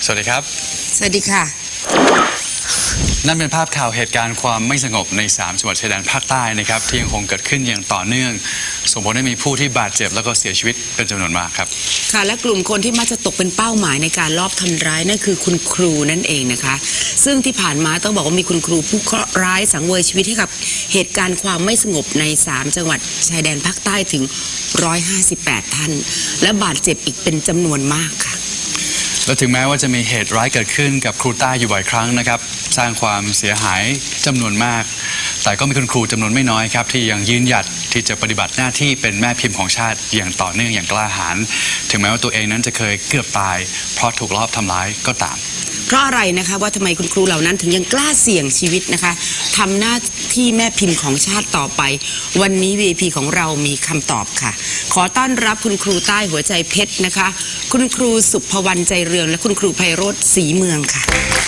สวัสดีครับสวัสดีค่ะนั่นเป็นภาพข่าวเหตุการณ์ความไม่สงบใน3จังหวัดชายแดนภาคใต้นะครับที่ยังคงเกิดขึ้นอย่างต่อเนื่องส่งผลให้มีผู้ที่บาดเจ็บแล้วก็เสียชีวิตเป็นจำนวนมากครับค่ะและกลุ่มคนที่มักจะตกเป็นเป้าหมายในการลอบทำร้ายนั่นคือคุณครูนั่นเองนะคะซึ่งที่ผ่านมาต้องบอกว่ามีคุณครูผู้เคราะห์ร้ายสังเวยชีวิตให้กับเหตุการณ์ความไม่สงบใน3จังหวัดชายแดนภาคใต้ถึง158ท่านและบาดเจ็บอีกเป็นจำนวนมากค่ะและถึงแม้ว่าจะมีเหตุร้ายเกิดขึ้นกับครูใต้อยู่บ่อยครั้งนะครับสร้างความเสียหายจำนวนมากแต่ก็มีคุณครูจำนวนไม่น้อยครับที่ยังยืนหยัดที่จะปฏิบัติหน้าที่เป็นแม่พิมพ์ของชาติอย่างต่อเนื่องอย่างกล้าหาญถึงแม้ว่าตัวเองนั้นจะเคยเกือบตายเพราะถูกลอบทำร้ายก็ตามเพราะอะไรนะคะว่าทำไมคุณครูเหล่านั้นถึงยังกล้าเสี่ยงชีวิตนะคะทำหน้าที่แม่พิมพ์ของชาติต่อไปวันนี้ VIP ของเรามีคำตอบค่ะขอต้อนรับคุณครูใต้หัวใจเพชรนะคะคุณครูสุภวรรณใจเรืองและคุณครูไพโรจน์ศรีเมืองค่ะ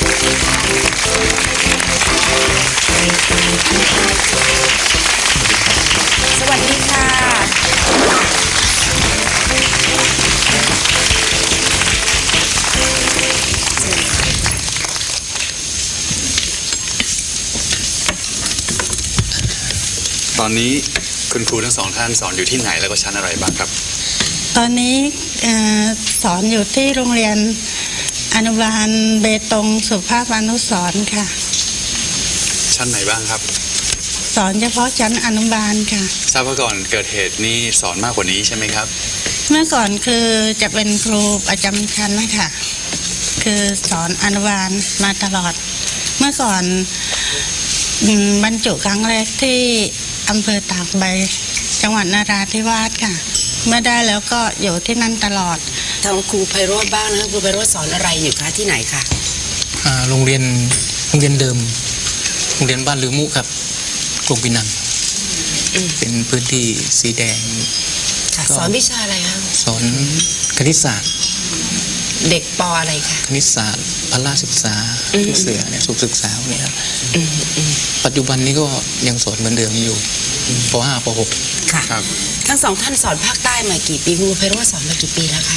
สวัสดีค่ะตอนนี้คุณครูทั้งสองท่านสอนอยู่ที่ไหนแล้วก็ชั้นอะไรบ้างครับตอนนี้สอนอยู่ที่โรงเรียนอนุบาลเบตงสุภาพอนุสรณ์ค่ะชั้นไหนบ้างครับสอนเฉพาะชั้นอนุบาลค่ะทราบว่าก่อนเกิดเหตุนี้สอนมากกว่านี้ใช่ไหมครับเมื่อก่อนคือจะเป็นครูประจำชั้นนะคะคือสอนอนุบาลมาตลอดเมื่อก่อนบรรจุครั้งแรกที่อำเภอตากใบจังหวัดนราธิวาสค่ะเมื่อได้แล้วก็อยู่ที่นั่นตลอดทางครูไพโรจน์บ้างนะคะครูไพโรจน์สอนอะไรอยู่คะที่ไหนคะโรงเรียนเดิมโรงเรียนบ้านลือมุครับกรุงปินังเป็นพื้นที่สีแดงสอนวิชาอะไรคะสอนคณิตศาสตร์เด็กป.อะไรคะคณิตศาสตร์พละศึกษาเสือเนี่ยสุขศึกษาเนี่ยครับปัจจุบันนี้ก็ยังสอนเหมือนเดิมอยู่ป.5 ป.6 ค่ะทั้งสองท่านสอนภาคใต้มากี่ปีครูไพโรจน์สอนมากี่ปีแล้วคะ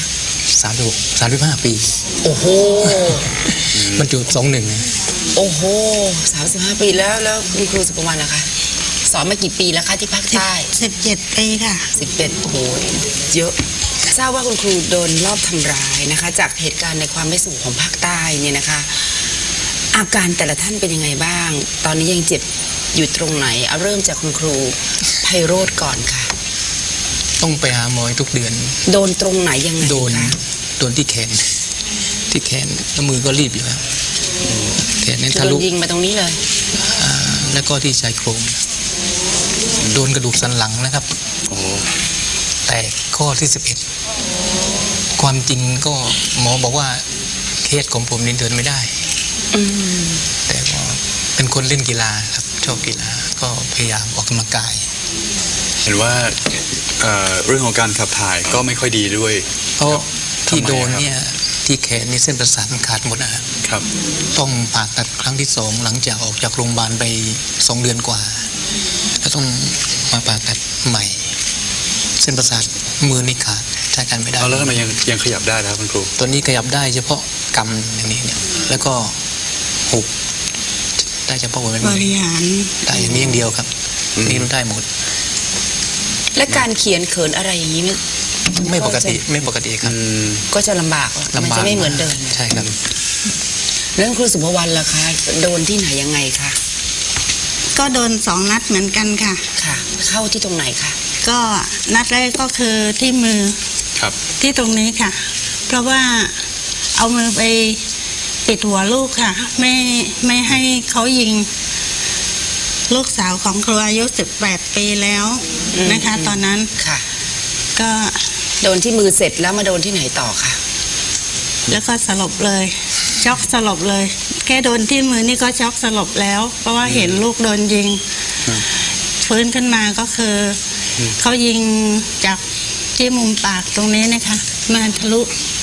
35 ปีโอ้โหบรรจุ21 โอ้โห35 ปีแล้วคุณครูสุภวรรณล่ะคะสอนมากี่ปีแล้วคะที่ภาคใต้ 17 ปีค่ะ 11โอ้โหเยอะทราบว่าคุณครูโดนลอบทำร้ายนะคะจากเหตุการณ์ในความไม่สงบของภาคใต้เนี่ยนะคะอาการแต่ละท่านเป็นยังไงบ้างตอนนี้ยังเจ็บอยู่ตรงไหนเอาเริ่มจากคุณครูไพโรจน์ก่อนค่ะต้องไปหาหมอทุกเดือนโดนตรงไหนยังไงโดนที่แขนแล้วมือก็รีบอยู่ครับแขนนี่ทะลุยิงมาตรงนี้เลยแล้วก็ที่ชายโครงโดนกระดูกสันหลังนะครับแตกข้อที่11ความจริงก็หมอบอกว่าเคสของผมนี่เดินไม่ได้แต่ก็เป็นคนเล่นกีฬาครับชอบกีฬาก็พยายามออกกำลังกายเห็นว่าเรื่องของการขับถ่ายก็ไม่ค่อยดีด้วยเพราะที่โดนเนี่ยที่แขนนี่เส้นประสาทมันขาดหมดนะครับต้องผ่าตัดครั้งที่2หลังจากออกจากโรงพยาบาลไป2 เดือนกว่าแล้วต้องมาผ่าตัดใหม่เส้นประสาทมือนี่ขาดใช้การไม่ได้แล้วทำไมยังขยับได้ครับคุณครูตอนนี้ขยับได้เฉพาะกำอย่างนี้เนี่ยแล้วก็หุบได้เฉพาะบริหารได้อย่างนี้อย่างเดียวครับนี่มันได้หมดและการเขียนเขินอะไรอย่างนี้ไม่ปกติครับก็จะลำบากมันจะไม่เหมือนเดิมใช่ครับเรื่องครูสุภวรรณล่ะคะโดนที่ไหนยังไงคะก็โดน2 นัดเหมือนกันค่ะเข้าที่ตรงไหนคะก็นัดแรกก็คือที่มือครับที่ตรงนี้ค่ะเพราะว่าเอามือไปปิดหัวลูกค่ะไม่ให้เขายิงลูกสาวของครูอายุ18 ปีแล้วนะคะตอนนั้นค่ะก็โดนที่มือเสร็จแล้วมาโดนที่ไหนต่อคะแล้วก็สลบเลยช็อกสลบเลยแค่โดนที่มือนี่ก็ช็อกสลบแล้วเพราะว่าเห็นลูกโดนยิงฟื้นขึ้นมาก็คือเขายิงจากที่มุมปากตรงนี้นะคะมาทะลุ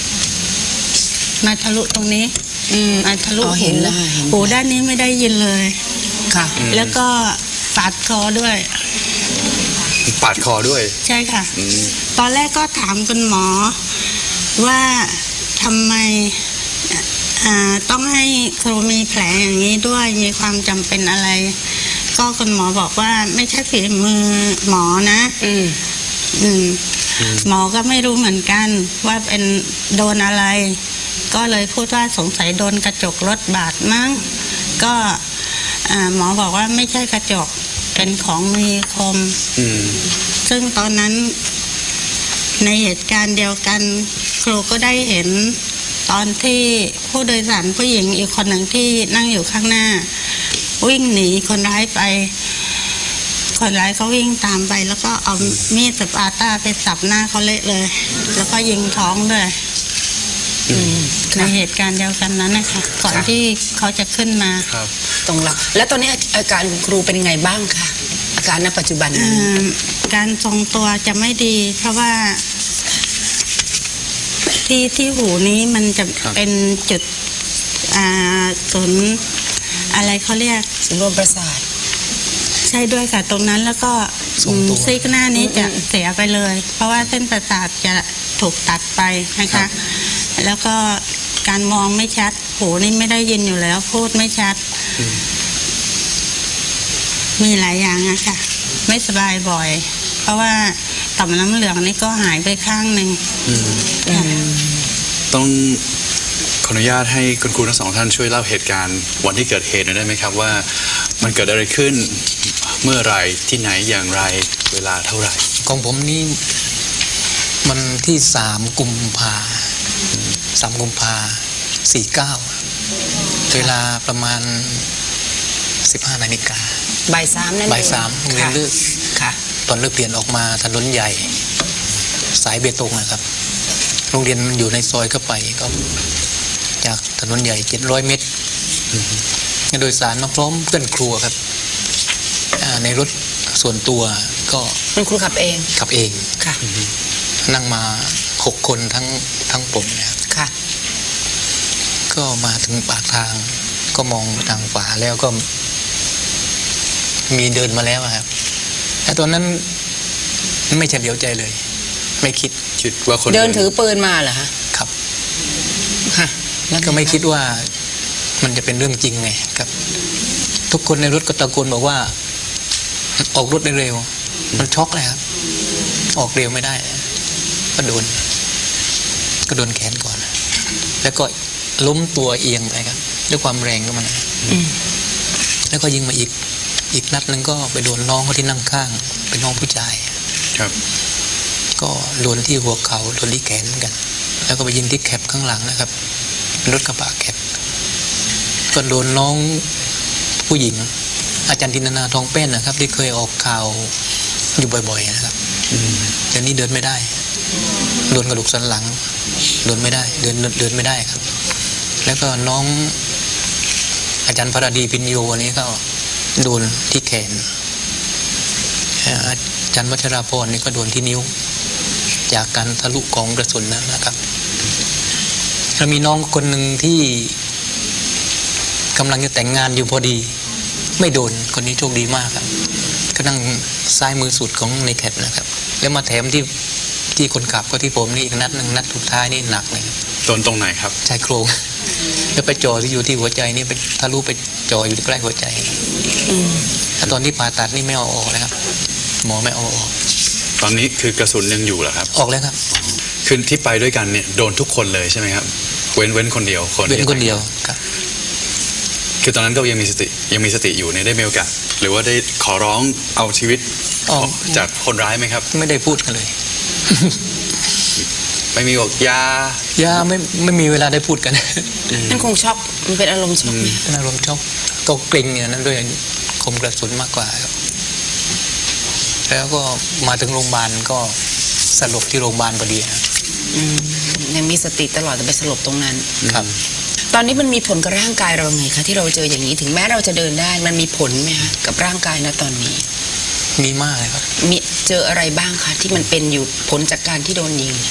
ตรงนี้มาทะลุหูด้านนี้ไม่ได้ยินเลยค่ะแล้วก็ปาดคอด้วยใช่ค่ะตอนแรกก็ถามคุณหมอว่าทำไมต้องให้ครูมีแผลอย่างนี้ด้วยมีความจำเป็นอะไร ก็คุณหมอบอกว่าไม่ใช่ฝีมือหมอนะ หมอก็ไม่รู้เหมือนกันว่าเป็นโดนอะไร ก็เลยพูดว่าสงสัยโดนกระจกรถบาดมั้งก็หมอบอกว่าไม่ใช่กระจกเป็นของมีคมซึ่งตอนนั้นในเหตุการณ์เดียวกันครูก็ได้เห็นตอนที่ผู้โดยสารผู้หญิงอีกคนหนึ่งที่นั่งอยู่ข้างหน้าวิ่งหนีคนร้ายไปคนร้ายเขาวิ่งตามไปแล้วก็เอามีดสปาต้าไปสับหน้าเขาเละเลย แล้วก็ยิงท้องด้วยในเหตุการณ์เดียวกันนั้นนะคะก่อนที่เขาจะขึ้นมาครับตรงหลักแล้วตอนนี้อาการคุณครูเป็นไงบ้างคะอาการณปัจจุบันนี้การทรงตัวจะไม่ดี เพราะว่าที่หูนี้มันจะครับเป็นจุดศูนย์อะไรเขาเรียกศูนย์รวมประสาทใช่ด้วยค่ะตรงนั้นแล้วก็ทรงตัวซีกหน้านี้จะเสียไปเลย เพราะว่าเส้นประสาทจะถูกตัดไปนะคะ แล้วก็การมองไม่ชัดหูนี่ไม่ได้ยินอยู่แล้วพูดไม่ชัด มีหลายอย่างอะค่ะ ไม่สบายบ่อย เพราะว่าต่อมน้ำเหลืองนี่ก็หายไปข้างหนึ่งค่ะต้องขออนุญาตให้คุณครูทั้งสองท่านช่วยเล่าเหตุการณ์วันที่เกิดเหตุหน่อยได้ไหมครับว่ามันเกิดอะไรขึ้นเมื่อไหรที่ไหนอย่างไรเวลาเท่าไหร่ของผมนี่มันที่3 กุมภา49 เวลาประมาณ 15 นาฬิกาบ่ายสามนั่นเองบ่ายสามโรงเรียนเลิกค่ะตอนเลิกเรียนออกมาถนนใหญ่ สายเบตงนะครับ โรงเรียนมันอยู่ในซอยเข้าไปก็จากถนนใหญ่700 เมตรโดยสารมาพร้อมเพื่อนครัวครับในรถส่วนตัวก็คุณครูขับเองขับเองค่ะนั่งมา6 คนทั้งผมนะครับค่ะก็มาถึงปากทางก็มองทางขวาแล้วก็มีเดินมาแล้วอะครับแต่ตอนนั้นไม่เฉลียวใจเลย ไม่คิดคิดว่าคนเดินถือปืนมาเหรอฮะครับค่ะแล้วก็ไม่คิดว่ามันจะเป็นเรื่องจริงไงครับ ทุกคนในรถก็ตะโกนบอกว่าออกรถได้เร็ว มันช็อกเลยครับ ออกเร็วไม่ได้ ก็โดนแขนก่อน แล้วก็ล้มตัวเอียงไปครับด้วยความแรงก็มันแล้วก็ยิงมาอีกนัดหนึ่งก็ไปโดนน้องเขาที่นั่งข้าง เป็นน้องผู้ชายครับก็โดนที่หัวเขาโดนที่แขนเหมือนกัน แล้วก็ไปยิงที่แคปข้างหลังนะครับเป็นรถกระบะแคปก็โดนน้องผู้หญิง อาจารย์ธินนาทองแป้นนะครับ ที่เคยออกข่าวอยู่บ่อยๆนะครับเดี๋ยวนี้เดินไม่ได้ โดนกระดูกสันหลังเดินไม่ได้เดินไม่ได้ครับ แล้วก็น้องอาจารย์พระดีพินโยอันนี้ก็โดนที่แขนอาจารย์วัชราพรนี่ก็โดนที่นิ้ว จากการทะลุของกระสุนนะครับแล้วมีน้องคนหนึ่งที่กำลังจะแต่งงานอยู่พอดี ไม่โดนคนนี้โชคดีมากครับก็นั่งซ้ายมือสุดของในแคปนะครับแล้วมาแถมที่คนขับก็ที่ผมนี่อีกนัดหนึ่งนัดสุดท้ายนี่หนักเลยโดนตรงไหนครับชายโครงแล้วไปจ่อที่อยู่ที่หัวใจนี่ไปทะลุไปจ่ออยู่ใกล้หัวใจถ้าตอนที่ผ่าตัดนี่ไม่เอาออกเลยครับ หมอไม่เอาออกตอนนี้คือกระสุนยังอยู่เหรอครับออกแล้วครับคือที่ไปด้วยกันเนี่ยโดนทุกคนเลยใช่ไหมครับเว้นคนเดียวคนเป็นที่คนเดียวครับคือตอนนั้นก็ยังมีสติอยู่เนี่ยได้มีโอกาสหรือว่าได้ขอร้องเอาชีวิตอ๋อจากคนร้ายไหมครับไม่ได้พูดกันเลยไม่มีบอกยาย่าไม่มีเวลาได้พูดกันนั่นคงช็อกมันเป็นอารมณ์ช็อกไหมอารมณ์ช็อกก็เกร็งเนี่ยนั้นด้วยคมกระสุนมากกว่าครับแล้วก็มาถึงโรงพยาบาลก็สลบที่โรงพยาบาลพอดีครับยังมีสติตลอดแต่ไปสลบตรงนั้นครับตอนนี้มันมีผลกับร่างกายเราไงคะที่เราเจออย่างนี้ถึงแม้เราจะเดินได้มันมีผลไหมคะกับร่างกายนะตอนนี้มีมากเลยครับมีเจออะไรบ้างคะที่มันเป็นอยู่ผลจากการที่โดนยิง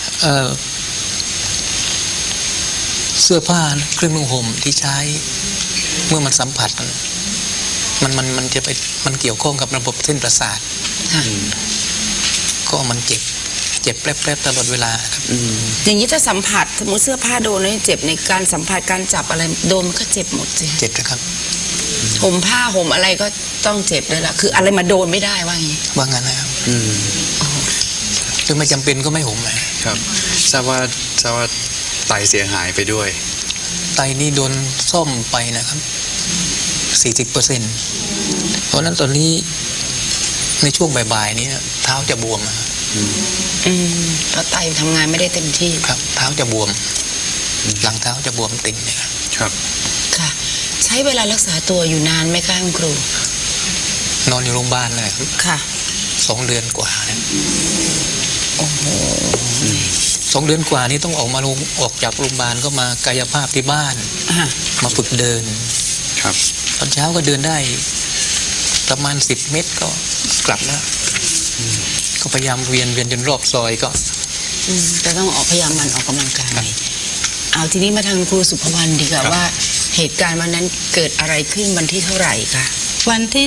เสื้อผ้าเครื่องนุ่งห่มที่ใช้เมื่อมันสัมผัสมันจะไปมันเกี่ยวข้องกับระบบเส้นประสาทค่ะก็มันเจ็เจ็บแป๊บๆตลอดเวลาครับอย่างนี้ถ้าสัมผัสสมมติเสื้อผ้าโดนแล้วเจ็บในการสัมผัสการจับอะไรโดนมันก็เจ็บหมดสิเจ็บนะครับห่มผ้าห่มอะไรก็ต้องเจ็บด้วยล่ะคืออะไรมาโดนไม่ได้ว่างี้ว่างั้นนะครับคือไม่จำเป็นก็ไม่ห่มนะครับทราบว่าไตเสียหายไปด้วยไตนี่โดนซ่อมไปนะครับ 40%เพราะฉะนั้นตอนนี้ในช่วงบ่ายๆนี้เท้าจะบวมอะเพราะไตทำงานไม่ได้เต็มที่ครับเท้าจะบวม หลังเท้าจะบวมติ่งเนี่ยครับครับค่ะ ใช้เวลารักษาตัวอยู่นานไหมคะคุณครูนอนอยู่โรงพยาบาลเลยครับค่ะ 2 เดือนกว่านะโอ้โห 2 เดือนกว่านี้ต้องออกจากโรงพยาบาลก็มากายภาพที่บ้านอ่ะมาฝึกเดินครับตอนเช้าก็เดินได้ประมาณ10 เมตรก็กลับแล้วก็พยายามเวียนจนรอบซอยก็จะต้องพยายามมันออกกำลังกายเอาทีนี้มาทางครูสุภวรรณดีกว่าว่า เหตุการณ์วันนั้นเกิดอะไรขึ้นวันที่เท่าไหร่คะวันที่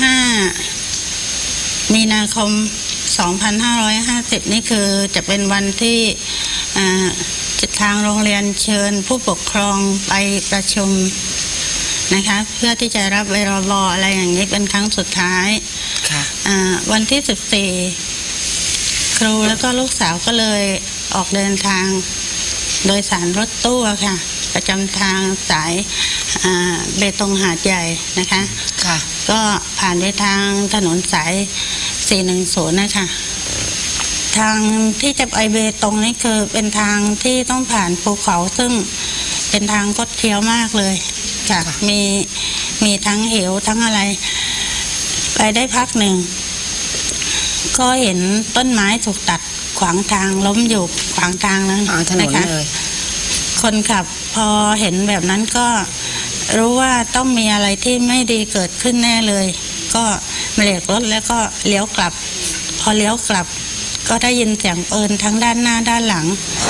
15 มีนาคม 2550 นี่คือจะเป็นวันที่ทางโรงเรียนเชิญผู้ปกครองไปประชุมนะคะเพื่อที่จะรับเวรบอะไรอย่างนี้เป็นครั้งสุดท้ายค่ะวันที่14 ครูแล้วก็ลูกสาวก็เลยออกเดินทางโดยสารรถตู้อะค่ะ ประจำทางสายเบตงหาดใหญ่นะคะค่ะก็ผ่านไปทางถนนสาย 410 นะคะทางที่จะไปเบตงนี่คือเป็นทางที่ต้องผ่านภูเขาซึ่งเป็นทางคดเคี้ยวมากเลยค่ะมีทั้งเหวทั้งอะไร ไปได้พักหนึ่ง ก็เห็นต้นไม้ถูกตัดขวางทางล้มอยู่ขวางทางนั้นถนนนะคะเลยคนขับพอเห็นแบบนั้นก็รู้ว่าต้องมีอะไรที่ไม่ดีเกิดขึ้นแน่เลย ก็เบรกรถแล้วก็เลี้ยวกลับ พอเลี้ยวกลับ ก็ได้ยินเสียงปืนทั้งด้านหน้าด้านหลังอ